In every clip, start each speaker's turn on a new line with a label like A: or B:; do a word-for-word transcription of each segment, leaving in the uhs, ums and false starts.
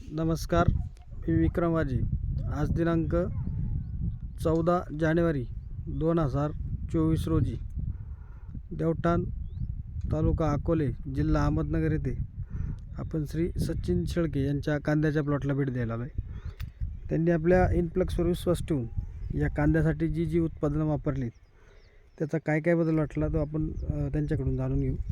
A: नमस्कार, मी विक्रम वाजे. आज दिनांक चौदा जानेवारी दोन हजार चोवीस रोजी देवठाण तालुका अकोले जिल्हा अहमदनगर येथे आपण श्री सचिन शेळके यांच्या कांद्याच्या प्लॉटला भेट द्यायला आलो आहे. त्यांनी आपल्या इनफ्लक्सवर विश्वास ठेवून या कांद्यासाठी जी जी उत्पादनं वापरली त्याचा काय काय बदल वाटला तो आपण त्यांच्याकडून जाणून घेऊ.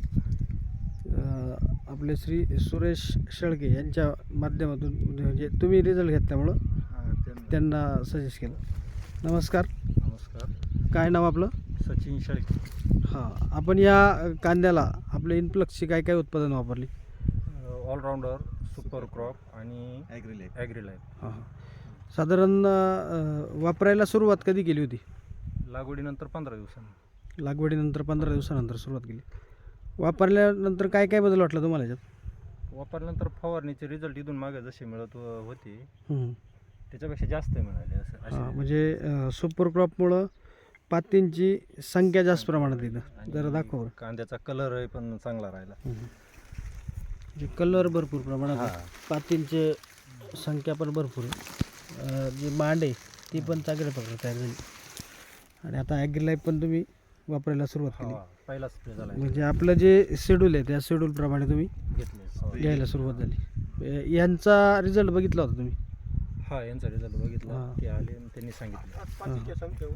A: आपले श्री सुरेश शेळके यांच्या माध्यमातून म्हणजे तुम्ही रिझल्ट घेतल्यामुळं त्यांना सजेस्ट केलं. नमस्कार.
B: नमस्कार.
A: काय नाव आपलं?
B: सचिन शेळके.
A: हां, आपण या कांद्याला आपल्या इनफ्लक्सची काय काय उत्पादन वापरली?
B: ऑलराऊंडर, सुपर क्रॉप आणि ॲग्री ॲग्री लाईफ.
A: हां हां. साधारण वापरायला सुरुवात कधी केली होती?
B: लागवडीनंतर पंधरा दिवसांनी.
A: लागवडीनंतर पंधरा दिवसानंतर सुरुवात केली. वापरल्यानंतर काय काय बदल वाटला तुम्हाला याच्यात?
B: वापरल्यानंतर फवारणीचे रिझल्ट इथून मागे जसे मिळत होते
A: हं.
B: त्याच्यापेक्षा जास्त मिळाले. असं
A: हां,
B: असे
A: म्हणजे सुपर क्रॉपमुळं पातींची संख्या जास्त प्रमाणात येतं. जरा दाखव.
B: कांद्याचा कलर पण चांगला राहिला.
A: म्हणजे कलर भरपूर प्रमाणात आहे.
B: हां.
A: पातींची संख्या पण भरपूर आहे. जी मांड आहे ती पण चांगल्या प्रकारे तयार झाली. आणि आता ॲग्री लाईफ पण तुम्ही वापरायला सुरुवात केली.
B: पहिला स्प्रे झाला
A: म्हणजे आपलं जे शेड्यूल आहे त्या शेड्यूलप्रमाणे तुम्ही
B: घेतले.
A: घ्यायला सुरुवात झाली. यांचा रिझल्ट बघितला होता तुम्ही?
B: हा, यांचा रिझल्ट बघितला.
A: हां.
B: ते आले आणि त्यांनी सांगितलं.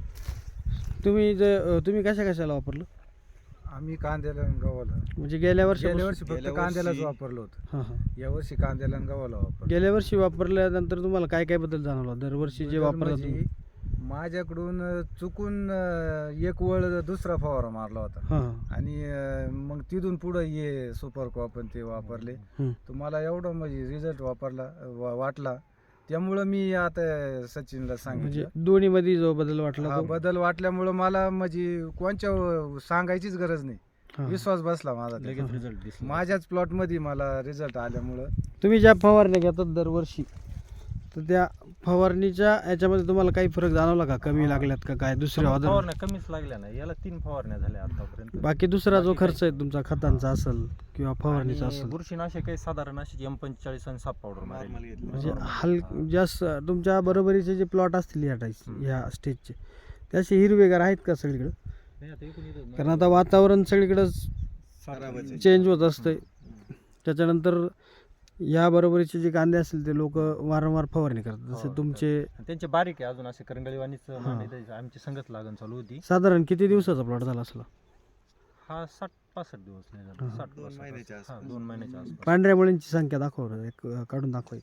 A: तुम्ही जे तुम्ही कशा कशाला वापरलं?
C: आम्ही कांद्याला आणि गव्हाला
A: म्हणजे गेल्या वर्षी
C: गेल्या वर्षी फक्त कांद्यालाच वापरलं होतं.
A: हां हां.
C: या वर्षी कांद्याला आणि गव्हाला वापरलं.
A: गेल्या वर्षी वापरल्यानंतर तुम्हाला काय काय बदल जाणवला? दरवर्षी जे
C: बदल
A: वापरता
C: म्हणजे
A: तुम्ही?
C: माझ्याकडून चुकून अं, एक वळ दुसरा फवारा मारला होता
A: हां हां.
C: आणि अं, मग तिथून पुढं ये सुपर क्रॉप आणि ते वापरले.
A: हं.
C: तुम्हाला एवढं म्हणजे रिझल्ट वापरला वा- वाटला त्यामुळं मी आता सचिनला
A: म्हणजे
C: सांगितलं.
A: दोन्हीमध्ये जो बदल वाटला
C: हा
A: तो?
C: बदल वाटल्यामुळं मला म्हणजे कोणच्या सांगायचीच गरज नाही.
A: हां.
C: विश्वास बसला माझा त्याच्यावर.
B: लगेच रिझल्ट दिसला.
C: माझ्याच प्लॉटमध्ये मला रिझल्ट आल्यामुळं
A: तुम्ही ज्या फवारण्या घेतात दरवर्षी तर त्या फवारणीच्या याच्यामध्ये तुम्हाला काही फरक जाणवला का? कमी लागल्यात का काय दुसऱ्या अदर?
B: फवारण्या कमीच लागल्या नाही. याला तीन फवारण्या झाल्या आतापर्यंत.
A: बाकी दुसरा जो
B: बाकी
A: खर्च आहे तुमचा खतांचा असेल किंवा फवारणीचा
B: आणि
A: असेल
B: बुरशीनाशक काही साधारण अशी एम पंचेचाळीस आणि साप पावडर
A: म्हणजे हल जास्त तुमच्या बरोबरीचे जे प्लॉट असतील या टाईप या स्टेजचे ते असे हिरवेगार आहेत का सगळीकडे? कारण आता वातावरण सगळीकडं चेंज होत असतंय. त्याच्यानंतर या बरोबरीचे जे कांदे असतील ते लोक वारंवार फवारणी करतात जसे
B: हो,
A: तुमचे.
B: त्यांचे बारीक आहे अजून असे करंगळीवाणीच मांडे आमची संगत लागण चालू होती.
A: साधारण किती दिवसाचा प्लॉट झाला असला?
B: हा साठ पासष्ट दिवस नाही झाला. साठ दोन महिन्याच्या आसपास. दोन महिन्याच्या आसपास.
A: पांढऱ्या मुळींची संख्या दाखव बरं, एक काढून दाखवा.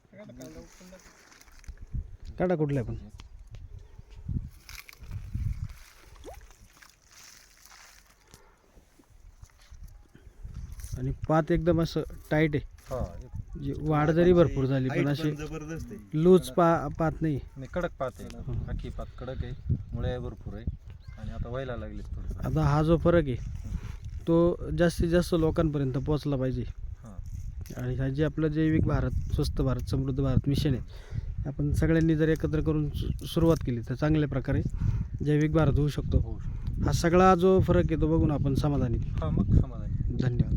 A: काढा कुठल्या पण. आणि पात एकदम असं टाईट आहे.
B: हा, एक-
A: जी वाढ जरी भरपूर झाली पण अशी लूज पा पात नाही.
B: नाही, कडक पात आहे. अख्खी पात कडक आहे. मुळे भरपूर आहे आणि आता व्हायला लागले थोडं.
A: आता हा जो फरक आहे तो जास्तीत जास्त लोकांपर्यंत पोहोचला पाहिजे.
B: हा.
A: आणि हा जे आपलं जैविक भारत स्वस्त भारत समृद्ध भारत मिशन आहे आपण सगळ्यांनी जर एकत्र करून सु- सुरुवात केली तर चांगल्या प्रकारे जैविक भारत होऊ शकतो.
B: होऊ शकतो.
A: हा सगळा जो फरक आहे तो बघून आपण समाधानी.
B: हा, मग समाधान.
A: धन्यवाद.